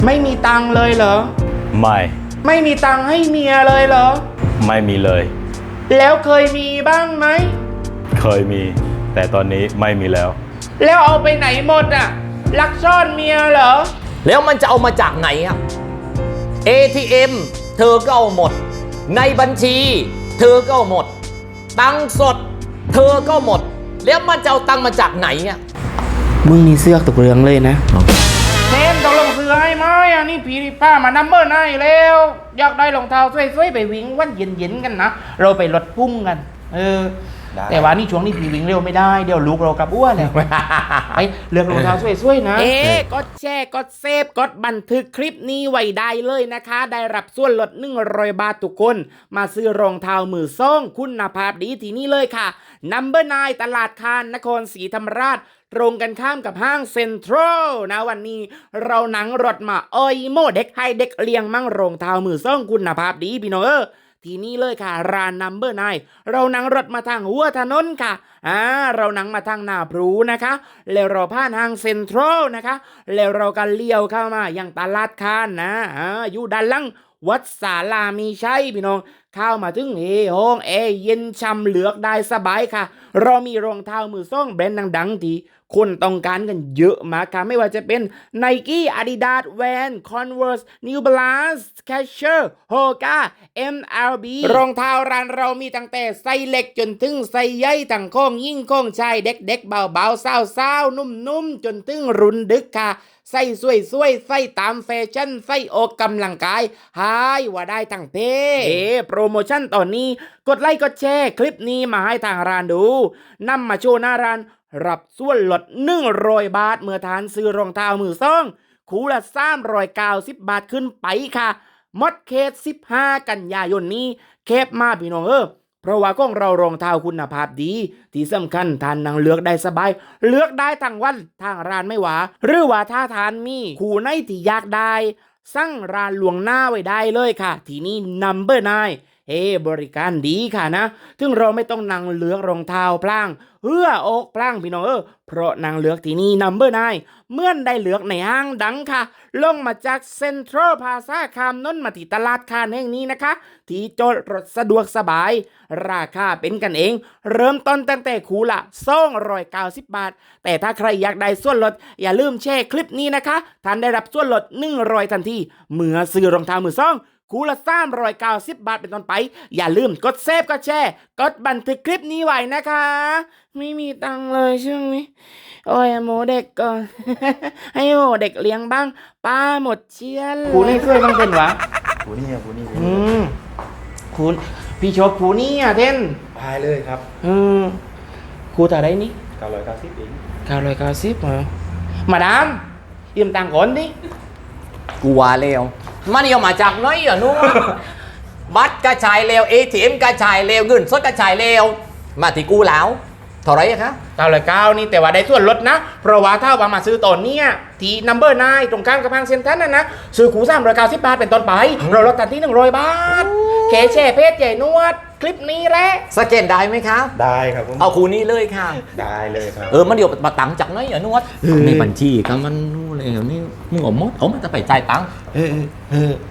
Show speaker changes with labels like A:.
A: ไม่มีตังค์เลยเหรอ
B: ไม่
A: มีตังค์ให้เมียเลยเหรอ
B: ไม่มีเลย
A: แล้วเคยมีบ้างไหม
B: เคยมีแต่ตอนนี้ไม่มีแล้ว
A: เอาไปไหนหมดอ่ะลักซ่อนเมียเหรอ
C: แล้วมันจะเอามาจากไหนอ่ะ ATM เธอก็เอาหมดในบัญชีเธอก็เอาหมดตังค์สดเธอก็หมดแล้วมันจะเอาตังค์มาจากไหนอ่ะ
A: มึงนี่เสือกตกเรืองเลยนะเทนต้องลงเสือให้ไหมอ่ะนี่ผีป้ามานัมเบอร์ไนแล้วอยากได้รองเท้าสวยๆไปวิ่งวันเย็นๆกันนะเราไปลดพุ่งกันแต่ว่านี่ช่วงนี้ผีวิ่งเร็วไม่ได้เดี๋ยวลูกเรากลับอ้วนแล้วไปเลือกรองเท้าสวยๆนะกดแชร์กดเซฟกดบันทึกคลิปนี้ไว้ได้เลยนะคะได้รับส่วนลด100 บาททุกคนมาซื้อรองเท้ามือส่งคุณภาพดีที่นี่เลยค่ะNumber 9ตลาดคานนครศรีธรรมราชตรงกันข้ามกับห้างเซ็นทรัลนะวันนี้เรานั่งรถมาโมเด็กให้เด็กเลี้ยงมั่งรองเท้ามือส่งคุณภาพดีพี่น้องที่นี่เลยค่ะร้าน Number 9เรานั่งรถมาทางหัวถนนค่ะเรานั่งมาทางหน้าพลูนะคะแล้วเราผ่านห้างเซ็นทรัลนะคะแล้วเราก็เลี้ยวเข้ามายังตลาดคานนะอยู่ด้านหลังวัดศาลามีชัยพี่น้องเข้ามาถึงห้องเย็นช่ำเลือกได้สบายค่ะเรามีรองเท้ามือส่งแบรนด์ดังๆที่คนต้องการกันเยอะมากค่ะไม่ว่าจะเป็น Nike Adidas Vans Converse New Balance Skechers Hoka MLB รองเท้าร้านเรามีตั้งแต่ไซส์เล็กจนถึงไซส์ใหญ่ตั้งโค้งยิ่งโค้งชายเด็กๆเบาๆสาวๆนุ่มๆจนถึงรุ่นดึกค่ะใส่สวยๆใส่ตามแฟชั่นใส่ออกกำลังกายหายว่าได้ทั้งเพโปรโมชั่นตอนนี้กดไลค์กดแชร์คลิปนี้มาให้ทางร้านดูนำมาโชว์หน้าร้านรับส่วนลด100 บาทเมื่อทานซื้อรองเท้ามือส่งคู่ละ390 บาทขึ้นไปค่ะมดเคส15 กันยายนนี้เคปมาพี่น้องเพราะว่าของเรารองเท้าคุณภาพดีที่สำคัญทานนั่งเลือกได้สบายเลือกได้ทั้งวันทางร้านไม่หวาหรือว่าถ้าทานมีคู่ไหนที่อยากได้สั่งร้านลวงหน้าไว้ได้เลยค่ะที่นี่ Number 9บริการดีค่ะนะถึงเราไม่ต้องนั่งเลือกรองเท้าพลางอกพลางพี่น้องเพราะนั่งเลือกที่นี่ Number 9เมื่อได้เลือกในห้างดังค่ะลงมาจากเซ็นทรัลพาซาคามน้นมาที่ตลาดคานแห่งนี้นะคะที่จอดรถสะดวกสบายราคาเป็นกันเองเริ่มต้นตั้งแต่คู่ละ290 บาทแต่ถ้าใครอยากได้ส่วนลดอย่าลืมแชร์คลิปนี้นะคะท่านได้รับส่วนลด100ทันทีเมื่อซื้อรองเท้ามือสองคู่ละ390 บาทเป็นต้นไปอย่าลืมกดเซฟกดแชร์กดบันทึกคลิปนี้ไว้นะคะไม่มีตังค์เลยช่วงนี้โอ้ยโมเด็กก่อน ให้โมเด็กเลี้ยงบ้างป้าหมดเชียนคูนี่ช่วยบ้างเป็นวะ
D: คูนี่
A: คุณพี่ชอบคูนี่เท่น
D: พายเลยครับ
A: ครูแต่ได้นี่
D: 990เอง
A: 990เหรอมาดามยืมตังค์ก่อนดิ
C: กูว่าแล้วมันเอามาจากไหนอ่ะนู้น บัตรกระชายเลว ATM กระชายเลวเงินสดกระชายเลวมาที่กูแล้วเท่าไรคะ
A: 909นี่แต่ว่าได้ส่วนลดนะเพราะว่าถ้าว่ามาซื้อตอนนี้ที่ Number 9ตรงข้ามกับห้างเซ็นทรัลนะซื้อคู390 บาทเป็นต้นไปเราลดทันที่100 บาทแค่แชร์เพจใหญ่นวดคลิปนี้แหละ
C: สแกนได้ไหมคะ
D: ได้ครับผม
C: เอาคูนี้เลยค่ะ
D: ได้เลยครับ
C: มันเดี๋ยวมาตังจากไหนอ่ะนวดในบัญชีก็มันนู่นเลยนี่มึงเอามาจะไปจ่ายตังค์